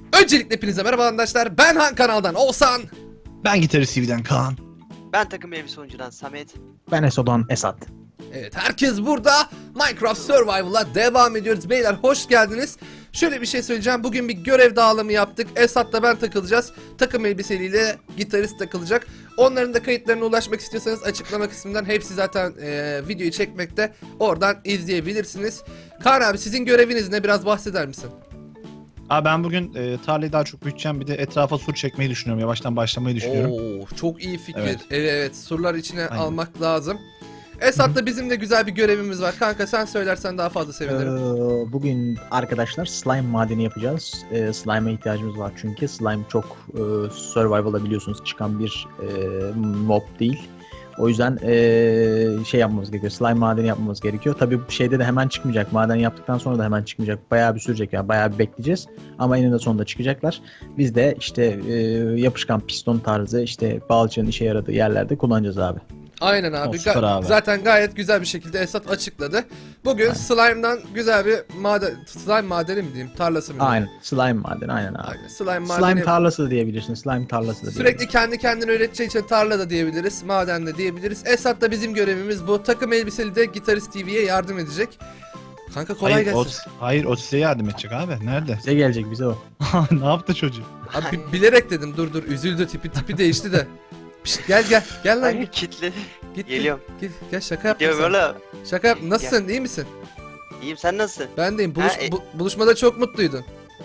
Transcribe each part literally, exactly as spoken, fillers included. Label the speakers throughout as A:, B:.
A: Öncelikle hepinize merhaba arkadaşlar. Ben Han kanaldan Oğuzhan.
B: Ben Gitarist T V'den Kaan.
C: Ben takım elbise oyuncudan Samet.
D: Ben Eso'dan Esat.
A: Evet, herkes burada. Minecraft Survival'a devam ediyoruz. Beyler hoş geldiniz. Şöyle bir şey söyleyeceğim. Bugün bir görev dağılımı yaptık. Esat'la ben takılacağız. Takım elbiseliyle gitarist takılacak. Onların da kayıtlarına ulaşmak istiyorsanız açıklama kısmından hepsi zaten e, videoyu çekmekte. Oradan izleyebilirsiniz. Kaan abi, sizin göreviniz ne? Biraz bahseder misin?
B: Abi ben bugün e, tarlayı daha çok büyüteceğim. Bir de etrafa sur çekmeyi düşünüyorum. Yavaştan başlamayı düşünüyorum.
A: Oo, çok iyi fikir. Evet,
B: Evet.
A: evet, surlar içine
B: Aynen.
A: almak lazım. Esat'la bizim de güzel bir görevimiz var. Kanka sen söylersen daha fazla sevinirim.
D: Ee, bugün arkadaşlar slime madeni yapacağız. Ee, slime'a ihtiyacımız var çünkü slime çok e, survival'da biliyorsunuz çıkan bir e, mob değil. O yüzden e, şey yapmamız gerekiyor. Slime madeni yapmamız gerekiyor. Tabii bu şeyde de hemen çıkmayacak. Maden yaptıktan sonra da hemen çıkmayacak. Bayağı bir sürecek yani. Bayağı bir bekleyeceğiz. Ama eninde sonunda çıkacaklar. Biz de işte e, yapışkan piston tarzı işte balçığın işe yaradığı yerlerde kullanacağız abi.
A: Aynen abi.
B: O, süper
A: Ga-
B: abi.
A: Zaten gayet güzel bir şekilde Esat açıkladı. Bugün
D: Aynen.
A: slime'dan güzel bir maden, slime madeni mi diyeyim, tarlası mı diyeyim?
D: Aynen. Slime madeni aynen abi.
A: Aynen. Slime madeni.
D: Slime tarlası da diyebilirsin. Slime tarlası da
A: Sürekli
D: diyebilirsin.
A: kendi kendine üreteceği için tarla da diyebiliriz, maden de diyebiliriz. Esat da bizim görevimiz bu. Takım elbiseli de Gitarist T V'ye yardım edecek. Kanka kolay
B: hayır,
A: gelsin.
B: O, hayır o size yardım edecek abi. Nerede?
D: Bize gelecek bize o.
B: Ne yaptı çocuk?
A: Abi bi- bilerek dedim, dur dur, üzüldü, tipi tipi değişti de. Pişt, gel gel gel lan,
C: Ay
A: git
C: kitledi.
A: git.
C: Geliyorum.
A: Git, gel şaka yaptım
C: Diyor
A: sana.
C: böyle.
A: Şaka yap.
C: Gel.
A: Nasılsın? İyi misin?
C: İyiyim, sen nasılsın?
A: Ben deyim. Buluş,
C: Ha, e-
A: bu- buluşmada çok mutluydun.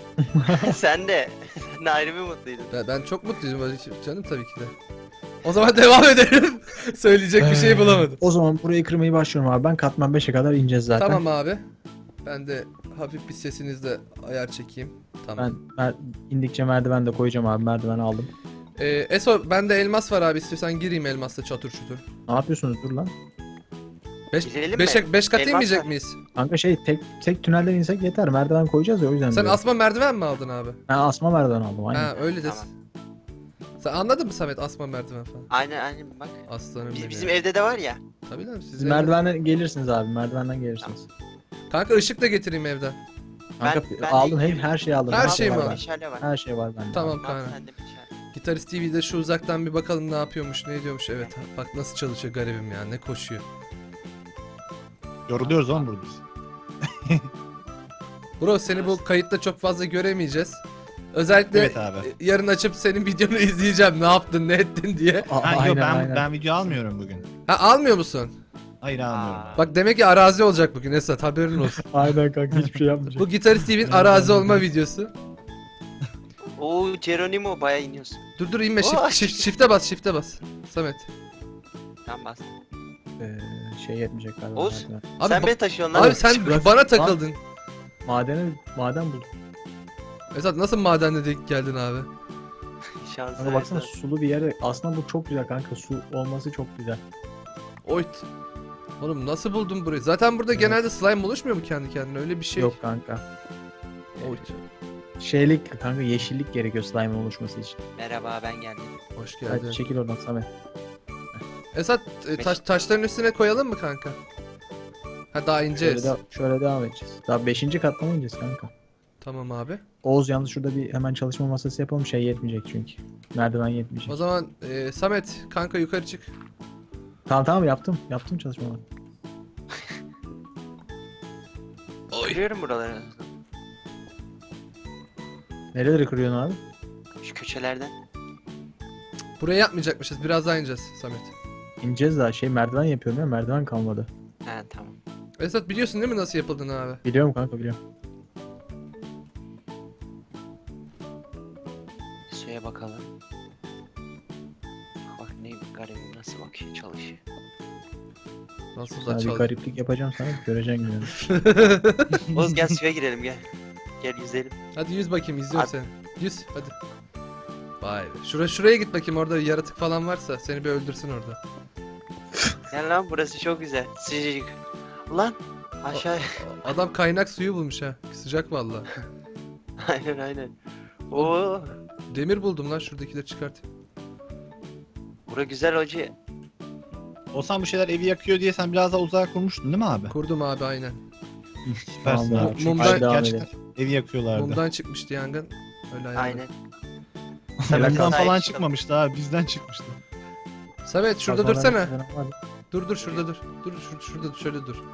C: Sen de. Sen de ayrı bir mutluydun.
A: Ben, ben çok mutluydum böyle canım, tabii ki de. O zaman devam edelim. Söyleyecek bir şey
D: Ee,
A: bulamadım.
D: O zaman burayı kırmayı başlıyorum abi. Ben katman beşe kadar ineceğiz zaten.
A: Tamam abi. Ben de hafif bir sesinizle ayar çekeyim. Tamam.
D: Ben mer- indikçe merdiven de koyacağım abi. Merdiven aldım.
A: Ee, Eso, bende elmas var abi, istiyorsan gireyim elmasla çatır çutur.
D: Ne yapıyorsunuz dur lan?
A: beş
C: Girelim
A: beş
C: mi?
A: beş kat
C: Elmas
A: inmeyecek
C: var.
A: miyiz?
D: Kanka şey tek tek tünelden insek yeter. Merdiven koyacağız ya o yüzden.
A: Sen
D: diyorum.
A: asma merdiven mi aldın abi?
D: Ben asma merdiven aldım aynen.
A: Ha öyle desin.
C: Tamam.
A: Sen anladın mı Samet, asma merdiven falan?
C: Aynen aynen bak.
A: Aslanım
C: Biz,
A: benim
C: bizim
A: ya.
C: evde de var ya.
A: Tabii lan siz
D: Siz
A: evde-
D: merdivenden gelirsiniz abi. Merdivenden gelirsiniz.
A: Kanka ışık da getireyim evden.
D: Kanka
C: Ben- ben
D: aldım
C: de-
D: her, her şeyi aldım.
A: Her
D: Her
A: şey mi
D: var
A: var?
D: bende.
C: Meşale var.
D: Her şey var bende.
A: Tamam
C: Bak,
A: kanka.
C: sende meşale.
A: Gitarist T V'de şu uzaktan bir bakalım ne yapıyormuş, ne ediyormuş. Evet bak nasıl çalışıyor garibim ya, ne koşuyor.
B: Yoruluyoruz oğlum burada biz.
A: Bro, seni bu kayıtta çok fazla göremeyeceğiz. Özellikle
B: Evet abi.
A: e, yarın açıp senin videonu izleyeceğim, ne yaptın ne ettin diye.
D: Aa,
B: Ha,
D: aynen,
B: yok, ben,
D: aynen.
B: ben video almıyorum bugün.
A: Ha, almıyor musun?
B: Hayır almıyorum.
C: Aa.
A: Bak demek ki arazi olacak bugün Esat, haberin olsun.
D: Aynen kanka hiçbir şey yapmayacak.
A: Bu Gitarist T V'nin arazi olma videosu.
C: Oo Geronimo bayağı iniyorsun.
A: Dur dur inme,
C: Oo.
A: shift, shift, shift'e bas, shift'e bas. Samet.
C: Tamam bas.
D: Ee, şey yetmeyecek galiba.
C: Oğuz.
D: merdiven.
A: Abi,
C: sen
A: ba-
C: beni taşıyorsun lan.
A: Abi sen
D: Bırak-
A: bana takıldın.
D: Madeni maden buldum.
A: Esat nasıl madenle denk geldin abi?
C: Şansı.
D: Kanka baksana
C: esas.
D: sulu bir yere. Aslında bu çok güzel kanka. Su olması çok güzel.
A: Oyt. Oğlum nasıl buldun burayı? Zaten burada
D: Evet.
A: genelde slime oluşmuyor mu kendi kendine? Öyle bir şey.
D: Yok kanka.
A: Oyt.
D: Şeylik kanka yeşillik gerekiyor slime oluşması için.
C: Merhaba ben geldim.
A: Hoş geldin.
D: Hadi çekil oradan Samet.
A: Esat e, taş, taşların üstüne koyalım mı kanka? Ha daha
D: Şöyle,
A: ineceğiz.
D: de, şöyle devam edeceğiz. Daha beşinci katta mı ineceğiz kanka?
A: Tamam abi.
D: Oğuz yalnız şurada bir hemen çalışma masası yapalım. Şey yetmeyecek çünkü. Merdiven yetmeyecek.
A: O zaman e, Samet kanka yukarı çık.
D: Tamam tamam yaptım. Yaptım çalışmaları.
A: Oy.
C: Kırıyorum buraları.
D: Nereleri kırıyorsun abi?
C: Şu köşelerden.
A: Buraya yapmayacakmışız. Biraz daha ineceğiz Samet.
D: İneceğiz daha şey merdiven yapıyorum ya merdiven kalmadı.
C: He tamam.
A: Esat biliyorsun değil mi nasıl yapıldığını abi?
D: Biliyorum kanka biliyorum.
C: Suya bakalım. Bak ne garibim nasıl bakıyor çalışıyor.
A: Nasıl da
D: Sana bir
A: çaldı.
D: gariplik yapacağım sana göreceksin gününü.
C: Oğuz gel suya girelim gel. Gel yüzelim.
A: Hadi yüz bakayım, izliyorum
C: Hadi.
A: seni. Yüz hadi. Vay be. Şura, şuraya git bakayım, orada yaratık falan varsa seni bir öldürsün orada.
C: Gel lan burası çok güzel. Sıcacık. Lan aşağı.
A: Adam kaynak suyu bulmuş ha. Sıcak vallahi.
C: aynen aynen. Oo.
A: Demir buldum lan, şuradakileri çıkartayım.
C: Bura güzel hoca.
B: Olsan bu şeyler evi yakıyor diye sen biraz daha uzağa kurmuştun değil mi abi?
A: Kurdum abi aynen.
B: Süpersin
D: Tamam,
B: abi. Çünkü
A: mumdan-
B: gerçekten evi yakıyorlardı.
A: Mumdan çıkmıştı yangın. Öyle ayarladım.
C: Aynen.
B: Bundan
C: sahip
B: falan
C: çıkalım.
B: çıkmamıştı abi. Bizden çıkmıştı.
A: Samet şurada
D: Kazmalar
A: dursana.
D: falan var.
A: Dur dur şurada dur. Dur şur şurada dur, şöyle dur.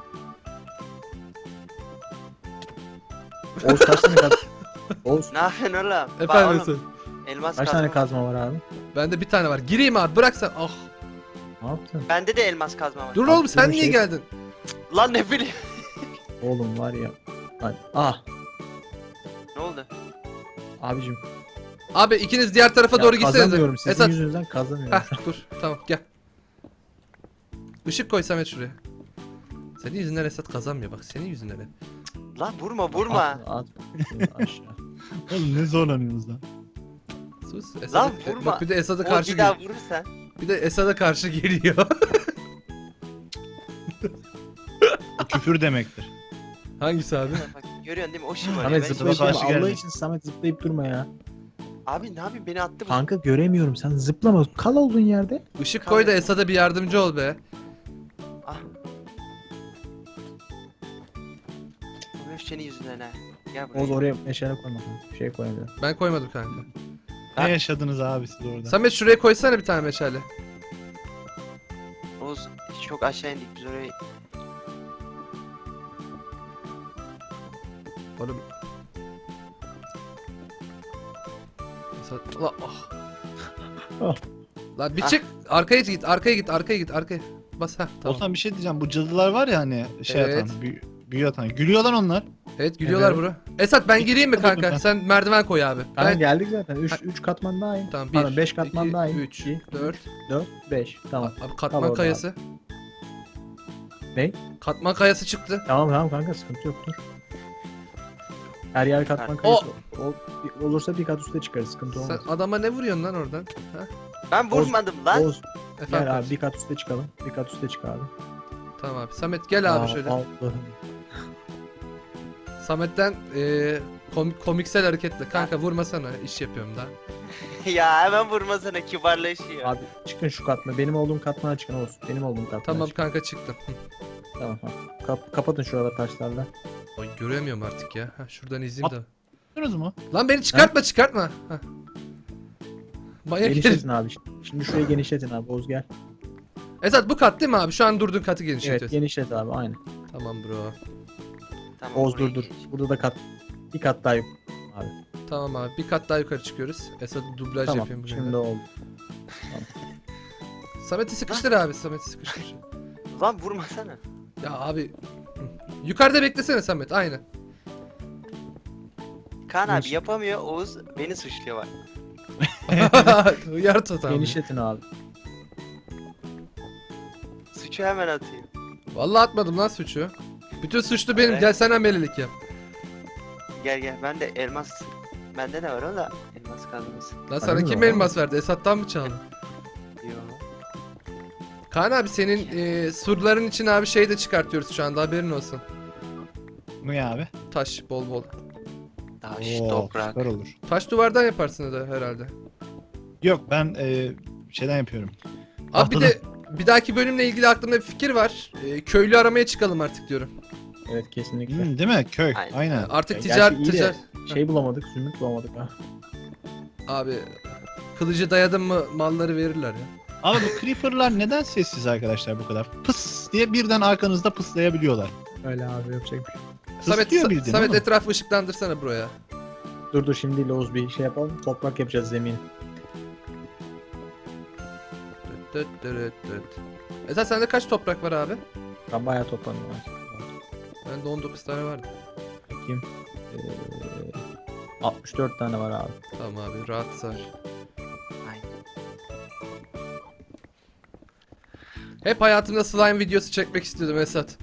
D: Oğuz kaç tane kaz... Oğuz
C: Ne yapıyorsun oğlum? Bak
A: Efendim
C: oğlum,
A: Esat.
C: elmas
D: kaç
C: kazma.
D: tane
C: var.
D: kazma var abi?
A: Bende bir tane var. Gireyim abi bırak sen. Ah.
D: Ne yaptın?
C: Bende de elmas kazma var.
A: Dur
D: Abi,
A: oğlum sen
D: bir
A: niye
D: şey-
A: geldin?
C: Lan ne bileyim.
D: Oğlum var ya. Hadi. Ah
C: Ne oldu?
D: abicim.
A: Abi ikiniz diğer tarafa
D: Ya
A: doğru gitsenize.
D: kazamıyorum sizin
A: Esat.
D: yüzünüzden kazamıyorum.
A: Heh dur tamam gel. Işık koy Samet şuraya. Senin yüzünden Esat kazanmıyor bak senin yüzünden. hep.
C: Lan vurma vurma.
D: At, at. Şunu aşağı.
B: Oğlum ne zorlanıyorsunuz lan.
A: Sus. Esad'a-
C: Lan
A: e,
C: vurma.
A: Bak bir de Esad'a
C: O
A: karşı
C: bir daha
A: geliyor.
C: vurursan.
A: Bir de Esad'a karşı geliyor.
B: Bu küfür demektir.
A: Hangisi abi?
C: Bak görüyorsun değil mi? O şımarıyor.
D: Samet
C: Ben
D: zıplayıp
B: Karşı
D: durma. Allah
B: geldi.
D: için Samet zıplayıp durma ya.
C: Abi ne yapayım beni attı bu.
D: Kanka göremiyorum sen zıplama. Kal olduğun yerde.
A: Işık koy da Esad'a bir yardımcı ol be.
C: Ah. Bu hep senin yüzünden ha. Gel buraya.
D: Oğuz oraya meşale koyma. Bir şey koyamıyor.
A: Ben koymadım kanka.
B: Ne
C: Ha?
B: yaşadınız abi siz orada?
A: Samet şuraya koysana bir tane meşale.
C: Oğuz çok aşağı indik biz oraya.
A: Oğlum. Esad... La, ah.
D: Ah.
A: Lan bir
C: Ah.
A: çık. Arkaya git, arkaya git, arkaya git, arkaya. Bas ha tamam.
B: Olsan bir şey diyeceğim. Bu cadılar var ya hani şey
A: Evet.
B: atan, büyü, büyü atan. Gülüyor lan onlar.
A: Evet gülüyorlar
D: Evet.
A: bro. Esat ben
B: İki
A: gireyim mi
B: kat oldu
A: kanka?
B: ben.
A: Sen merdiven koy abi.
D: Kanka
A: Ben...
D: geldik zaten.
A: Ha.
D: üç katman daha in.
A: Tamam
D: Pardon,
A: bir,
D: beş katman
A: iki,
D: daha in.
A: üç,
D: İki,
A: dört.
D: dört, beş. Tamam.
A: Abi
D: Al
A: katman
D: orada
A: kayası.
D: Ne?
A: Katman kayası çıktı.
D: Tamam tamam kanka sıkıntı yok dur. Her yer katman
A: O-
D: kayısı. O, olursa bir kat üstte çıkarız sıkıntı
A: Sen
D: olmaz.
A: adama ne vuruyorsun lan oradan? Ha?
C: Ben vurmadım lan.
D: Oğuz
A: Efendim
D: gel abi
A: kardeşim.
D: bir kat üstte çıkalım. Bir kat üstte çık abi.
A: Tamam abi. Samet gel abi
D: Aa,
A: şöyle.
D: Allah'ım.
A: Samet'ten e, kom- komiksel hareketle. Kanka vurmasana iş yapıyorum da.
C: Ya hemen vurmasana kibarlaşıyor.
D: Abi çıkın şu katma. Benim olduğum katmana çıkın Oğuz. Benim olduğum katmana
A: Tamam
D: çıkın.
A: kanka çıktım. Hı.
D: Tamam tamam. Kap- kapatın şuraları taşlarla.
A: Oy göremiyorum artık ya. Ha, şuradan izleyeyim de.
B: Gördünüz mü?
A: Lan beni çıkartma çıkartma. Ha. Manyak herif.
D: Genişletin abi. Şimdi şurayı genişletin abi Oğuz gel.
A: Esat bu kat değil mi abi? Şu an durduğun katı
D: Evet
A: genişletiyorsun.
D: genişlet abi aynen.
A: Tamam bro.
C: Tamam,
D: Oğuz
C: buraya
D: dur dur.
C: geç.
D: Burada da kat. Bir kat daha yok. Abi.
A: Tamam abi. Bir kat daha yukarı çıkıyoruz. Esat'ı dublaj
D: Tamam
A: yapayım buraya.
D: şimdi oldu.
A: Samet'i sıkıştır abi. Samet'i sıkıştır.
C: Lan vurmasana.
A: Ya abi. Hı. Yukarıda beklesene Samet. Aynen.
C: Kaan abi
D: Genişlet.
C: yapamıyor. Oğuz beni suçluyor bak.
A: Uyar tutam.
D: Genişletin abi.
C: Suçu hemen atıyor.
A: Vallahi atmadım lan suçu. Bütün suçlu benim.
C: Evet.
A: Gel sen amelilik yap.
C: Gel gel ben de elmas. Bende de var o da elmas kazması.
A: Lan sana
D: mi
A: kim
D: var?
A: elmas verdi? Esat'tan mı çaldın?
C: Yo.
A: Kaan abi senin e, surların için abi şey de çıkartıyoruz şu anda haberin olsun.
B: Ne abi?
A: Taş bol bol.
C: Taş,
B: Oo,
C: toprak.
B: süper olur.
A: Taş duvardan yaparsın da herhalde.
B: Yok ben e, şeyden yapıyorum.
A: Abi bir
B: Tahtadan.
A: de bir dahaki bölümle ilgili aklımda bir fikir var. E, köylü aramaya çıkalım artık diyorum.
D: Evet kesinlikle.
B: Hmm, değil mi? Köy.
C: Aynen.
B: Aynen.
A: Artık
D: Ya
A: ticaret
D: gerçi iyi de-
A: ticaret.
D: Şey bulamadık, zümrüt bulamadık ha.
A: Abi kılıcı dayadın mı malları verirler ya.
B: Ama bu creeper'lar neden sessiz arkadaşlar bu kadar? Pıs diye birden arkanızda pıslayabiliyorlar.
D: Öyle abi yapacak bir şey.
A: Samet,
B: Pıslıyor
A: Sa-
B: bildiğin
A: Samet
B: ama.
A: etrafı ışıklandırsana buraya.
D: Dur dur şimdi Loğuz bir şey yapalım. Toprak yapacağız zemin.
A: Dıt dıt dıt dıt. Esat sende kaç toprak var abi?
D: Ben bayağı topladım. abi.
A: Bende on dokuz tane vardı.
D: Bakayım. Ee, altmış dört tane var abi.
A: Tamam abi rahat sar.
C: Aynen.
A: Hep hayatımda slime videosu çekmek istiyordum Esat.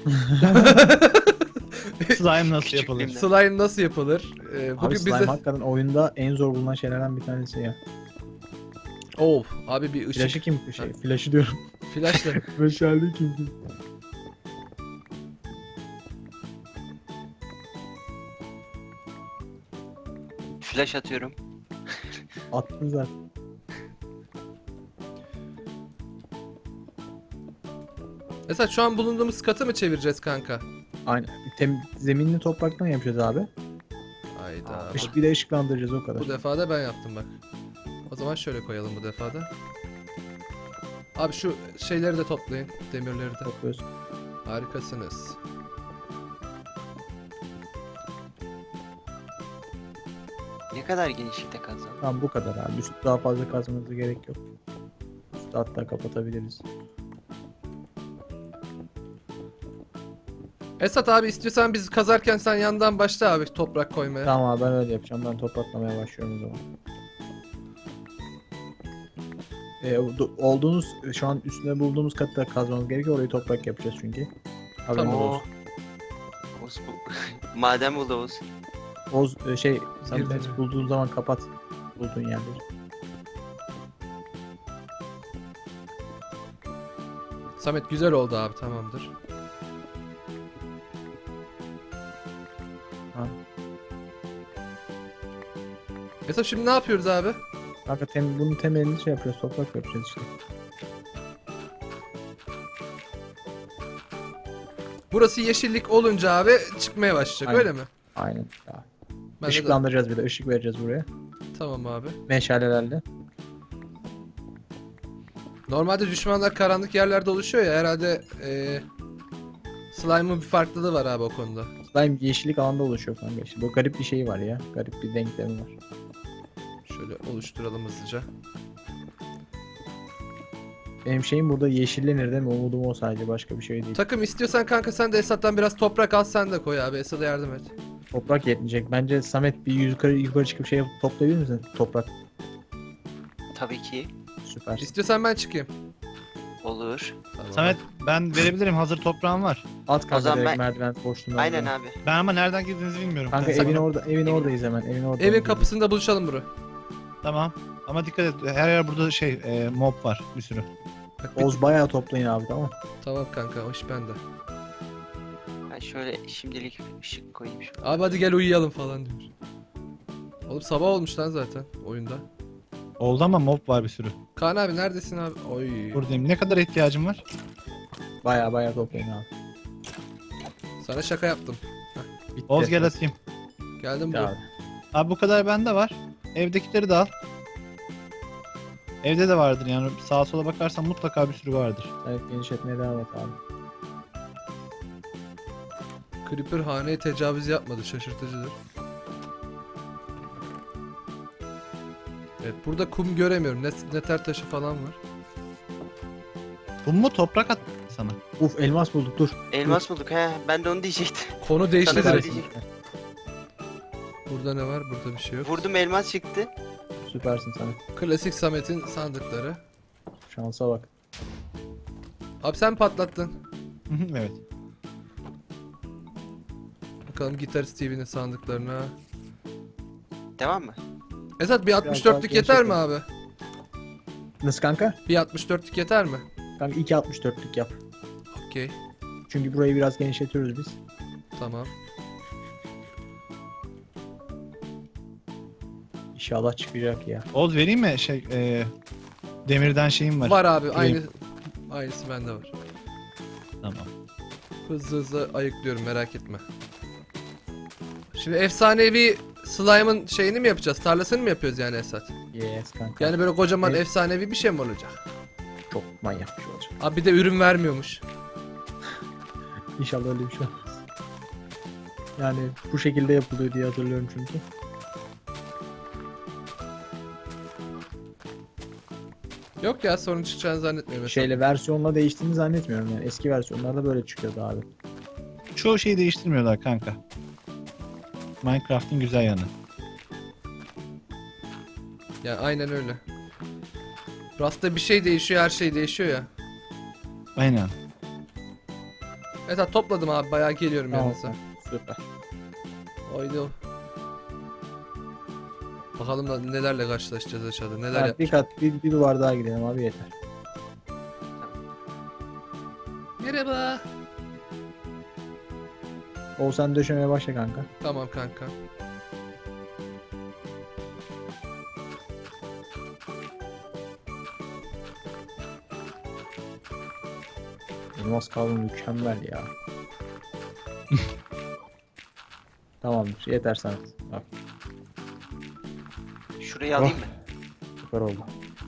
B: Slime nasıl
C: Küçük
B: yapılır?
C: bir-
A: Slime nasıl yapılır? Ee,
D: Abi
A: bugün
D: slime
A: bize...
D: hakikaten oyunda en zor bulunan şeylerden bir tanesi ya.
A: Of abi bir ışık.
D: Flash'ı kim? Şey, flash'ı diyorum.
A: Flashla.
D: Meşale kim? kim?
C: Flash atıyorum.
D: Attın zaten.
A: Esat şu an bulunduğumuz katı mı çevireceğiz kanka?
D: Aynen. Tem zeminini topraktan yapacağız abi.
A: Hayda. Bu,
D: Işık, bir de ışıklandıracağız o kadar.
A: bu defa da ben yaptım bak. O zaman şöyle koyalım bu defa da. Abi şu şeyleri de toplayın. Demirleri de.
D: Topluyoruz.
A: Harikasınız.
C: Ne kadar genişlikte kazalım.
D: Tamam bu kadar abi. Üstü daha fazla kazmanıza gerek yok. Üstü hatta kapatabiliriz.
A: Esat abi istiyorsan biz kazarken sen yandan başla abi toprak koymaya.
D: Tamam abi ben öyle yapacağım. Ben topraklamaya başlıyorum o zaman. Ee, do- olduğunuz şu an üstüne bulduğumuz katta kazmamız gerekiyor. Orayı toprak yapacağız çünkü. Haberiniz
A: Tamam.
D: olsun.
C: Oğuz bu. Maden buldu Oğuz.
D: Oz e, şey sen
A: Girdi
D: de
A: mi?
D: bulduğun zaman kapat bulduğun yerleri.
A: Samet güzel oldu abi tamamdır.
D: Ha.
A: Esat şimdi ne yapıyoruz abi?
D: Kanka tem, bunun temelini şey yapıyoruz. Toprak yapacağız işte.
A: Burası yeşillik olunca abi çıkmaya başlayacak
D: Aynen.
A: öyle mi?
D: Aynen. Ya.
A: Ben de-
D: Işıklandıracağız bir de. Işık vereceğiz buraya.
A: Tamam abi.
D: Meşalelerle.
A: Normalde düşmanlar karanlık yerlerde oluşuyor ya herhalde eee Slime'ın bir farklılığı var abi o konuda.
D: Slime yeşillik alanda oluşuyor kanka işte. Bu garip bir şey var ya. Garip bir denklemi var.
A: Şöyle oluşturalım hızlıca.
D: Benim şeyim burada yeşillenir değil mi? Umudum o sadece. Başka bir şey değil.
A: Takım istiyorsan kanka sen de Esat'tan biraz toprak al sen de koy abi Esat'a yardım et.
D: Toprak yetmeyecek. Bence Samet bir yukarı yukarı çıkıp şey yapıp toplayabilir misin? Toprak.
C: Tabii ki.
D: Süper.
A: İstiyorsan ben çıkayım.
C: Olur.
A: Tamam.
B: Samet ben verebilirim, hazır toprağım var.
D: At kanka
C: zaman
D: direkt
C: ben-
D: merdiven boşluğuna.
C: Aynen
D: doğru.
C: abi.
B: Ben ama nereden girdiğinizi bilmiyorum.
D: Kanka
B: Ben
D: evin
B: sana-
D: orada evin oradayız hemen. Evin orada.
A: Evin kapısında buluşalım bro.
B: Tamam. Ama dikkat et, her yer burada şey e, mob var bir sürü.
A: Bak, bir-
D: Oz bayağı toplayın abi tamam.
A: Tamam kanka o iş bende.
C: Ben şöyle şimdilik ışık koyayım şu.
A: Abi hadi gel uyuyalım falan diyor. Oğlum sabah olmuş lan zaten oyunda.
B: Oldu ama mob var bir sürü.
A: Kaan abi neredesin abi? Oy.
B: Buradayım. Ne kadar ihtiyacım var?
D: Bayağı bayağı toplayın abi.
A: Sana şaka yaptım.
D: Bitti.
B: Oz gel atayım.
A: Geldim
D: Ya
A: bro.
D: abi.
B: Abi bu kadar bende var. Evdekileri de al. Evde de vardır yani, sağa sola bakarsan mutlaka bir sürü vardır.
D: Evet genişletmeye devam et abi.
A: Creeper haneye tecavüz yapmadı şaşırtıcıdır. Evet burada kum göremiyorum. Net, neter taşı falan var.
B: Bu mu toprak at sana?
D: Uf elmas bulduk dur.
C: Elmas bulduk he. Ben de onu diyecektim.
A: Konu değişti
C: Sana
A: direkt.
C: söyleyecektim.
A: Burada ne var? Burada bir şey yok.
C: Vurdum elmas çıktı.
D: Süpersin Samet.
A: Klasik Samet'in sandıkları.
D: Şansa bak.
A: Abi sen patlattın.
B: Evet.
A: Bakalım Gitarist T V'nin sandıklarına.
C: Devam mı?
A: Esat bir altmış dörtlük
D: daha
A: yeter mi
D: genişletelim.
A: abi?
D: Nasıl kanka?
A: Bir altmış dörtlük yeter mi?
D: Kanka iki altmış dörtlük yap.
A: Okey.
D: Çünkü burayı biraz genişletiyoruz biz.
A: Tamam.
D: İnşallah çıkacak ya.
B: Oz vereyim mi şey e, demirden şeyim var.
A: Var abi aynı aynısı bende var.
B: Tamam.
A: Hızlı hızlı ayıklıyorum merak etme. Şimdi efsanevi slime'ın şeyini mi yapacağız? Tarlasını mı yapıyoruz yani Esat?
D: Yes kanka.
A: Yani böyle kocaman
D: Evet.
A: efsanevi bir şey mi olacak?
D: Çok manyak bir şey olacak.
A: Abi bir de ürün vermiyormuş.
D: İnşallah öyle bir şey olmaz. Yani bu şekilde yapılıyor diye hatırlıyorum çünkü.
A: Yok ya sorun çıkacağını zannetmiyorum. Esat.
D: Şeyle versiyonla değiştiğini zannetmiyorum yani. Eski versiyonlarda böyle çıkıyordu abi.
B: Çoğu şeyi değiştirmiyorlar kanka. Minecraft'ın güzel yanı.
A: Ya aynen öyle. Rasta bir şey değişiyor her şey değişiyor ya.
B: Aynen.
A: Esat topladım abi bayağı geliyorum
D: Tamam.
A: yanınıza.
D: Süper.
A: Oydu. o. Bakalım da nelerle karşılaşacağız aşağıda. Neler
D: Evet,
A: yap.
D: bir kat bir, bir duvar daha gidelim abi yeter.
A: Merhaba.
D: Oğuzhan döşemeye başla kanka.
A: Tamam kanka.
D: Elmas kavramı mükemmel ya. Tamamdır yeter sana. Bak.
C: Şurayı alayım mı?
D: Süper oldu.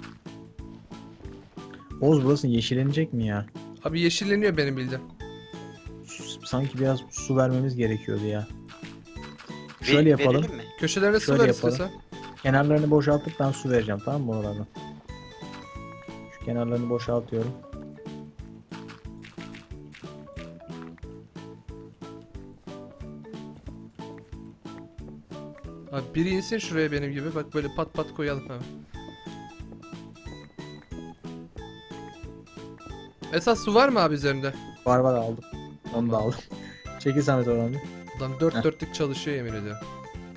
D: Oğuz burası yeşillenecek mi ya?
A: Abi yeşilleniyor benim bildiğim.
D: S- Sanki biraz su vermemiz gerekiyordu ya.
C: Ver-
D: Şöyle yapalım.
C: Verelim mi?
A: Köşelerine su
D: Şöyle
A: ver
D: yapalım.
A: istiyorsan.
D: Kenarlarını boşaltıp ben su vereceğim, tamam mı oralardan? Şu kenarlarını boşaltıyorum.
A: Abi biri insin şuraya benim gibi. Bak böyle pat pat koyalım hemen. Esas su var mı abi üzerinde?
D: Var var aldım. Onu da aldım. Çekil Samet oradan bir.
A: Adam dört
D: Heh.
A: dörtlük çalışıyor yemin ediyorum.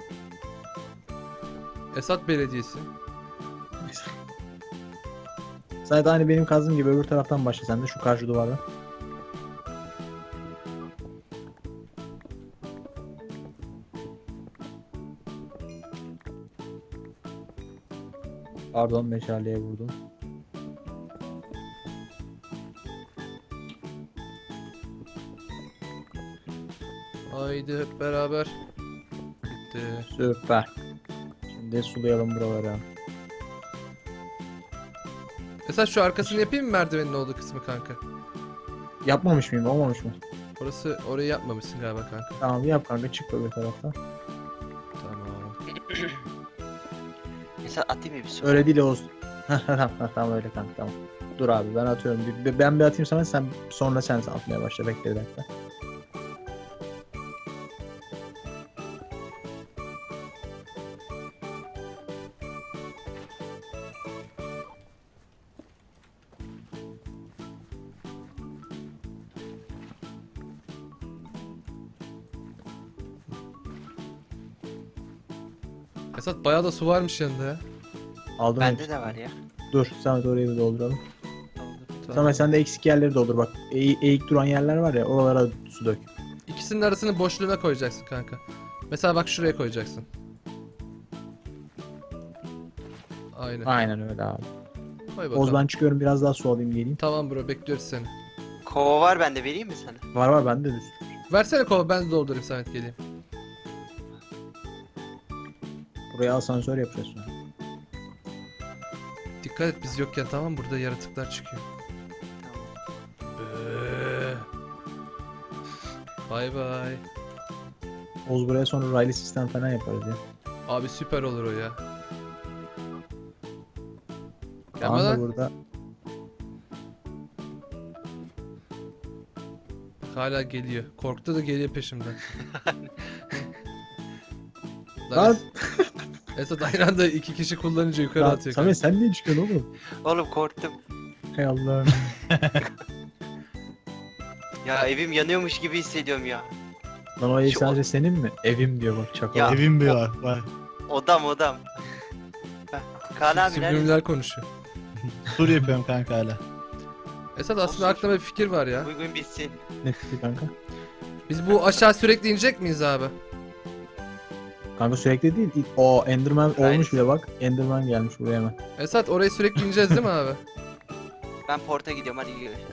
A: Esat Belediyesi.
D: Samet aynı benim kazdığım gibi öbür taraftan başla sen de şu karşı duvardan. Pardon, meşaleye vurdum.
A: Haydi hep beraber. Bitti.
D: Süper. Şimdi sulayalım buraları.
A: Esat şu arkasını yapayım mı merdivenin olduğu kısmı kanka?
D: Yapmamış mıyım? Olmamış mı?
A: Orası orayı yapmamışsın galiba kanka.
D: Tamam yap kanka, çık öbür taraftan.
A: Tamam.
C: Mesela atayım mı bir su?
D: Öyle değil Oğuz. tamam, tamam öyle kanka, tamam. Dur abi ben atıyorum. Bir- Ben bir atayım sana, sen sonra sen atmaya başla. Bekle bir dakika.
A: Esat bayağı da su varmış yanında ya.
D: Aldım.
C: Bende
D: hepsini.
C: de var ya.
D: Dur Samet, orayı bir dolduralım.
A: Tamam.
D: Samet sen de eksik yerleri doldur bak. Eğ- eğik duran yerler var ya, oralara su dök.
A: İkisinin arasını boşluğuna koyacaksın kanka. Mesela bak şuraya koyacaksın. Aynen.
D: Aynen öyle abi.
A: Koy bakalım.
D: Oğuz ben çıkıyorum, biraz daha su alayım geleyim.
A: Tamam bro, bekliyoruz seni.
C: Kova var bende, vereyim mi sana?
D: Var var bende de su.
A: Versene kova, ben de doldurayım, Samet geleyim.
D: Buraya asansör yapacağız sonra.
A: Dikkat et biz yokken, tamam, burada yaratıklar çıkıyor.
C: Tamam.
A: Bıı. Bay bay.
D: Oğuz buraya sonra raylı sistem falan yaparız ya.
A: Abi süper olur o ya. Gelme
D: Tamam da
A: lan.
D: burada
A: Hala geliyor. Korktu da geliyor peşimden.
D: Lan!
A: Esat aynı anda iki kişi kullanınca yukarı
D: Lan,
A: atıyor.
D: Samet sen niye çıkıyorsun oğlum?
C: Oğlum korktum.
D: Hay Allah'ım.
C: Ya evim yanıyormuş gibi hissediyorum ya.
D: Lan o ev
C: Şu-
D: sadece senin mi? Evim diyor bak, çakal.
C: Ya.
B: Evim bir var. Var.
C: Odam odam. Heh, Kaan abi nerede?
A: Süblimler konuşuyor.
B: Sur yapıyorum kanka hala.
A: Esat aslında
C: Olsun.
A: aklımda bir fikir var ya.
C: Uygun bitsin.
D: Ne fikri kanka?
A: Biz bu aşağı sürekli inecek miyiz abi?
D: Kanka sürekli değil. İlk- O Enderman
C: Aynen.
D: olmuş bile bak. Enderman gelmiş buraya hemen.
A: Esat oraya sürekli ineceğiz değil mi abi?
C: Ben porta gidiyorum, hadi görüşürüz.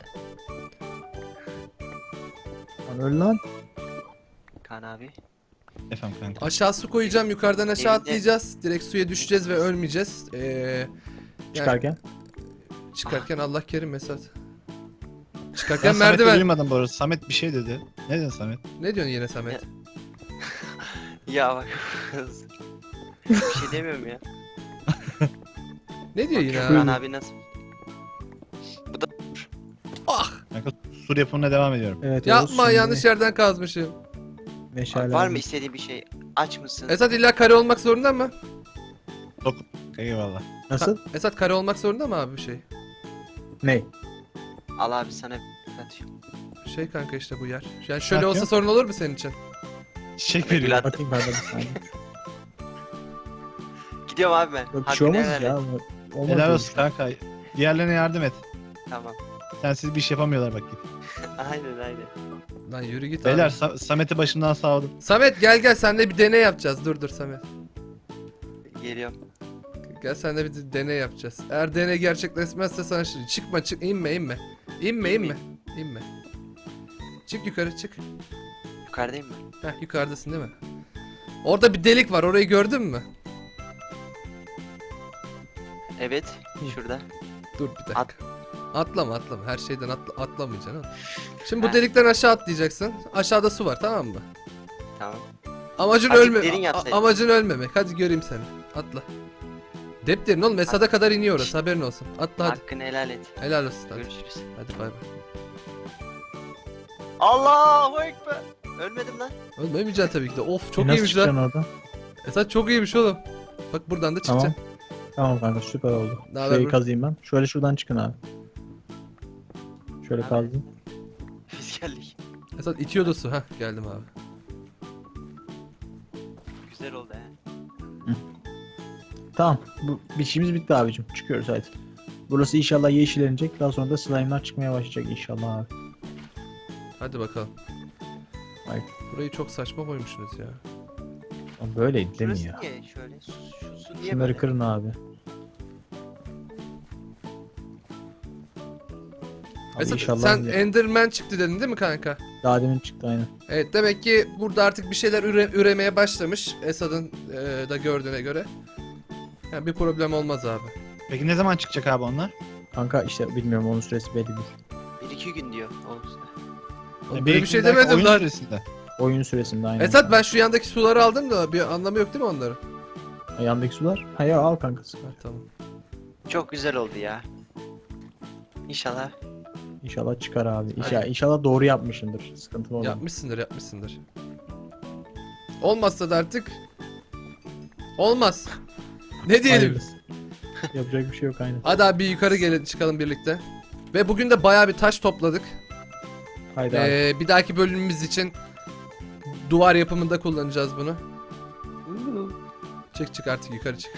D: Lan öl lan.
C: Kaan abi.
B: Efendim kanka.
A: Aşağı su koyacağım, yukarıdan aşağı
C: Evinde-
A: atlayacağız. Direkt suya düşeceğiz ve ölmeyeceğiz. Ee, yani
D: Çıkarken.
A: çıkarken Allah kerim Esat.
B: Ben
A: Çıkarken
B: Samet'i
A: merdiven.
B: duymadım bu arada. Samet bir şey dedi. Ne dedin Samet?
A: Ne diyorsun yine Samet?
C: Ya bak. Bir şey demiyorum ya.
A: Ne diyor yine
C: Kaan
A: abi?
C: abi nasıl?
A: Ah!
B: Kanka sur yapımına devam ediyorum.
D: Evet, Oğuz,
A: Yapma,
D: şimdi
A: yanlış yerden kazmışım.
D: meşale
C: Var
D: aldım.
C: mı istediğin bir şey? Aç mısın?
A: Esat illa kare olmak zorunda mı?
B: Eyvallah.
D: Nasıl?
A: Esat kare olmak zorunda mı abi bir şey?
D: Ne?
C: Al abi sana atıyorum.
A: Şey kanka işte bu yer. Yani şöyle
B: Ne
A: olsa
B: yapıyor?
A: sorun olur mu senin için?
B: Çiçek veriyorum.
C: Gül
D: Bakayım kanka bir saniye.
C: Gidiyorum abi ben.
D: Yok, bir
C: Hakkını
D: şey olmaz
C: helal
D: ya.
C: et.
D: Olmaz
B: Helal
D: öyle
B: olsun
D: şey.
B: kanka. Diğerlerine yardım et.
C: Tamam.
B: Sensiz bir iş yapamıyorlar bak git.
C: Aynen aynen.
A: Lan yürü git
B: Beyler
A: abi.
B: Sa- Samet'i başımdan sağladım.
A: Samet gel gel, senle bir deney yapacağız. Dur dur Samet.
C: Geliyorum.
A: Gel senle bir deney yapacağız. Eğer deney gerçekleşmezse sana şimdi çıkma çık, inme inme. İnme inme. İnme. Çık yukarı çık.
C: Yukarıdayım ben.
A: Heh, yukarıdasın değil mi? Orada bir delik var, orayı gördün mü?
C: Evet. Şurada.
A: Dur bir dakika.
C: At.
A: Atlama atlama. Her şeyden atla atlamayacaksın oğlum. Şimdi bu
C: Ha.
A: delikten aşağı atlayacaksın. Aşağıda su var, tamam mı?
C: Tamam.
A: Amacın
C: Azıcık
A: ölme.
C: derin
A: a-
C: yapsaydın.
A: amacın ölmemek. Hadi göreyim seni. Atla. Dep derin oğlum. Esad'a kadar iniyor orası. Haberin olsun. Atla hadi.
C: Hakkını helal et.
A: Helal olsun hadi.
C: Görüşürüz.
A: Hadi bay bay.
C: Allahu Ekber. Ölmedim lan.
A: Ölmeyeceksin tabii ki de. Of çok
D: E, nasıl
A: iyiymiş
D: çıkacaksın
A: lan.
D: oradan?
A: Esad çok iyiymiş oğlum. Bak buradan da
D: Tamam.
A: çıkacaksın.
D: Tamam kanka süper oldu.
A: Ne haber
D: Şurayı
A: bro?
D: kazayım ben. Şöyle şuradan çıkın abi. Şöyle
C: Abi.
D: kazdım.
C: Biz geldik.
A: Esad itiyordu su. Hah geldim abi.
C: Güzel oldu he.
D: Tamam. Bu bir işimiz bitti abicim. Çıkıyoruz hadi. Burası inşallah yeşillenecek. Daha sonra da slime'lar çıkmaya başlayacak inşallah abi.
A: Hadi bakalım.
D: Haydi.
A: Burayı çok saçma koymuşsunuz ya.
D: Ama böyleydi değil mi
C: Şurası
D: ya?
C: niye şöyle? Su, şu su niye
D: Şunları
C: böyle?
D: kırın abi. Abi
A: Esad
D: inşallah
A: sen
D: ya-
A: Enderman çıktı dedin değil mi kanka?
D: daha demin çıktı aynen.
A: Evet demek ki burada artık bir şeyler üre- üremeye başlamış Esad'ın e, da gördüğüne göre. Yani bir problem olmaz abi.
B: Peki ne zaman çıkacak abi onlar?
D: Kanka işte bilmiyorum onun süresi belli değil.
C: Bir iki gün diyor. Olsun.
A: Oğlum,
B: E,
A: böyle bir şey
B: belki
A: demedim
B: oyun
A: lan.
B: süresinde.
D: Oyun süresinde aynen.
A: Esad ben şu yandaki suları aldım da bir anlamı yok değil mi onların?
D: Ha, yandaki sular. Ha ya al kanka.
A: Ha, tamam.
C: Çok güzel oldu ya. İnşallah.
D: İnşallah çıkar abi. İnşallah,
C: Aynen.
D: inşallah doğru yapmışsındır. Sıkıntılı olan.
A: Yapmışsındır yapmışsındır. Olmazsa da artık olmaz. Ne diyelim?
D: Hayırlısı. Yapacak bir şey yok aynen.
A: Hadi abi bir yukarı gelin çıkalım birlikte. Ve bugün de bayağı bir taş topladık.
D: Haydi abi.
A: Ee, bir dahaki bölümümüz için duvar yapımında kullanacağız bunu. Çık çık artık yukarı çık.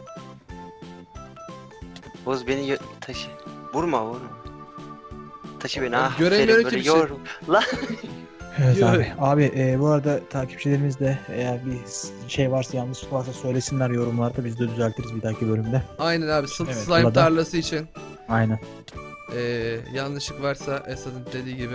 C: Boz beni gö- taşı. Vurma vurma. Taşı beni
A: Oğlum,
C: ah.
A: göremiyorum
C: aferin,
A: ki
C: böyle
A: bir şey.
C: yor- Lan.
D: Evet
A: Yo-
D: abi. Abi e, bu arada takipçilerimiz de eğer bir şey varsa yanlışlık varsa söylesinler yorumlarda biz de düzeltiriz bir dahaki bölümde.
A: Aynen abi sl-
B: Evet,
A: slime
D: Allah'tan-
A: tarlası için
D: Aynen.
A: ee, yanlışlık varsa Esad'ın dediği gibi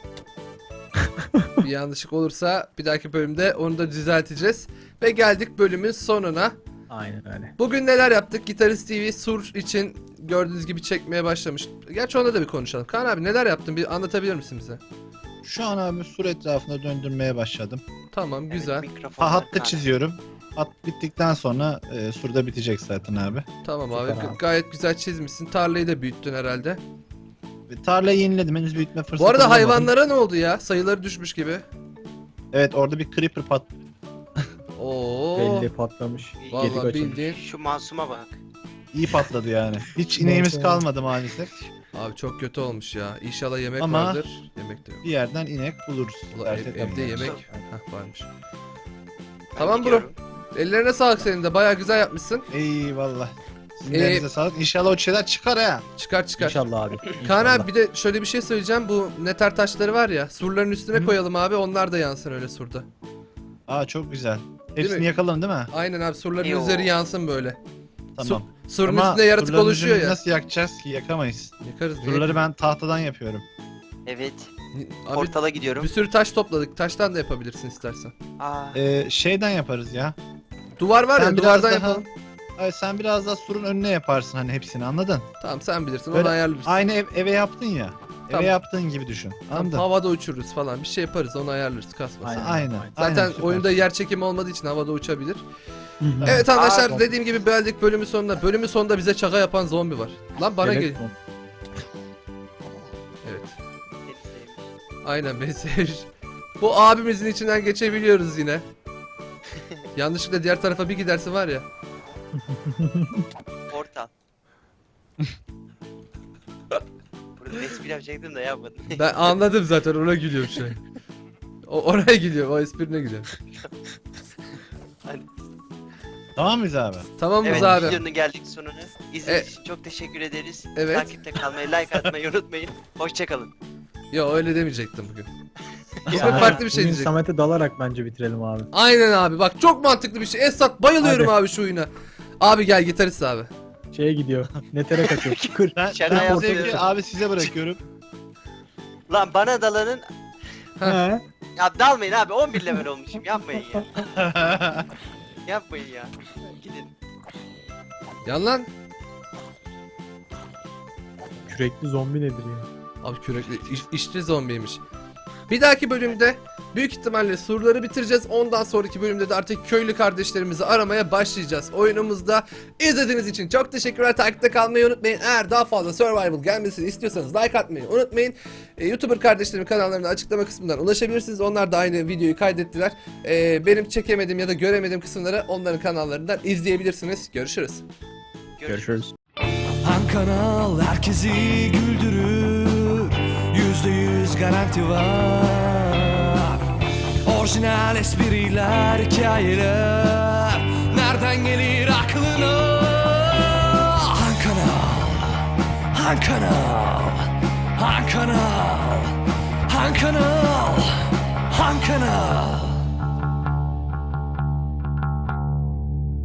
A: bir yanlışlık olursa bir dahaki bölümde onu da düzelteceğiz. Ve geldik bölümün sonuna.
D: Aynen öyle.
A: Bugün neler yaptık? Gitarist T V Sur için gördüğünüz gibi çekmeye başlamış. Gerçi onda da bir konuşalım. Kaan abi neler yaptın? Bir anlatabilir misin bize?
B: Şu an abi sur etrafında döndürmeye başladım.
A: Tamam
C: Evet,
A: güzel.
C: mikrofon
B: Ha,
C: var,
B: hattı çiziyorum. Hat bittikten sonra e, surda bitecek zaten abi.
A: Tamam abi.
D: Süper
A: G-
D: abi.
A: Gayet güzel çizmişsin. Tarlayı da büyüttün herhalde.
B: Ve tarlayı yeniledim, henüz büyütme fırsatı
A: Bu arada
B: bulamadım.
A: hayvanlara ne oldu ya? Sayıları düşmüş gibi.
B: Evet, orada bir creeper pat.
A: Oo.
D: Belli patlamış.
C: Vallahi
D: Gedik açılmış.
A: bildiğin.
C: Şu masuma bak.
B: İyi patladı yani. Hiç ineğimiz
D: Neyse.
B: kalmadı maalesef.
A: Abi çok kötü olmuş ya. İnşallah yemek
B: Ama-
A: vardır. Yemek de yok.
B: Bir yerden inek buluruz.
A: Ulan
B: Dert
A: ev-
B: etmeyin
A: evde
B: yani.
A: yemek
C: Çok-
A: Hah, varmış.
C: Ben
A: Tamam bro.
C: gidiyorum.
A: Ellerine sağlık senin de. Bayağı güzel yapmışsın.
B: Eyvallah. Sizin
A: Ee,
B: elinize sağlık. İnşallah o şeyler çıkar ha.
A: Çıkar çıkar.
D: İnşallah abi.
A: Kaan
D: İnşallah.
A: abi bir de şöyle bir şey söyleyeceğim. Bu neter taşları var ya. Surların üstüne
B: Hı.
A: koyalım abi. Onlar da yansın öyle surda.
B: Aa, çok güzel.
A: mi?
B: Hepsini yakalım değil mi?
A: Aynen abi surların
C: Yo.
A: üzeri yansın böyle.
B: Tamam.
A: Surun
B: Ama
A: üstünde yaratık
B: surların
A: oluşuyor
B: üzerini
A: ya.
B: Nasıl yakacağız ki? Yakamayız.
A: Yakarız. niye?
B: Surları ben tahtadan yapıyorum.
C: Evet.
A: Abi
C: Portala gidiyorum.
A: bir sürü taş topladık. Taştan da yapabilirsin istersen.
C: Aa.
B: Ee, şeyden yaparız ya.
A: Duvar var
B: Sen
A: ya
B: biraz
A: duvardan
B: daha-
A: yapalım.
B: Ay, sen biraz daha surun önüne yaparsın hani hepsini, anladın?
A: Tamam sen bilirsin
B: Öyle
A: onu ayarlarız.
B: Aynı ev- eve yaptın ya.
A: Tamam.
B: Eve yaptığın gibi düşün.
A: Tamam,
B: Anladın?
A: havada uçururuz falan. Bir şey yaparız onu ayarlarız kasmasın.
D: Aynen.
B: Aynen.
A: Zaten
B: aynen, süper.
A: oyunda yer çekimi olmadığı için havada uçabilir.
D: Hı hı.
A: Evet arkadaşlar
C: Aa,
A: dediğim gibi geldik bölümün sonuna. Bölümün sonunda bize şaka yapan zombi var. Lan bana
D: Evet,
A: gel.
D: bu.
A: Evet.
C: Seni sevmiş.
A: Aynen beni sevmiş. Bu abimizin içinden geçebiliyoruz yine. Yanlışlıkla diğer tarafa bir giderse var ya.
C: Portal. Burada espri yapacaktım da yapmadım.
A: Ben anladım zaten ona gülüyorum şu an. O, oraya gidiyor o esprine gidiyor.
B: Tamam mıyız abi?
A: Tamam mıyız
C: Evet,
A: abi?
C: videonun geldik sonuna. İzlediğiniz
A: E-
C: için çok teşekkür ederiz.
A: Evet.
C: Takipte kalmayı, like atmayı unutmayın. Hoşçakalın.
A: Yo öyle demeyecektim bugün. Bugün
D: Yani
A: farklı bir şey
D: bugün
A: diyecektim.
D: Samet'e dalarak bence bitirelim abi.
A: Aynen abi bak çok mantıklı bir şey. Esat bayılıyorum
D: Hadi.
A: abi şu oyuna. Abi gel gitarist abi.
D: Şeye gidiyor. Netere kaçıyor. Kır.
B: Ben,
C: Şaka
B: ben bu
C: yapıyorum.
B: zevki abi size bırakıyorum.
C: Lan bana dalanın.
D: He.
C: Ya dalmayın abi on bir level olmuşum. Yapmayın ya. Yapmayın ya. Gidin.
A: Yan lan.
D: Kürekli zombi nedir ya?
A: Abi kürekli iş, işçi zombiymiş. Bir dahaki bölümde büyük ihtimalle surları bitireceğiz. Ondan sonraki bölümde de artık köylü kardeşlerimizi aramaya başlayacağız. Oyunumuzda izlediğiniz için çok teşekkürler. Takipte kalmayı unutmayın. Eğer daha fazla survival gelmesini istiyorsanız like atmayı unutmayın. Ee, YouTuber kardeşlerim kanallarına açıklama kısmından ulaşabilirsiniz. Onlar da aynı videoyu kaydettiler. Ee, benim çekemediğim ya da göremediğim kısımları onların kanallarından izleyebilirsiniz. Görüşürüz.
D: Görüşürüz.
E: Han kanal herkesi güldürür, yüzde yüz garanti var. Orijinal espriler, hikayeler, nereden gelir aklına? Han kanal, Han kanal, Han kanal, Han kanal, Han kanal.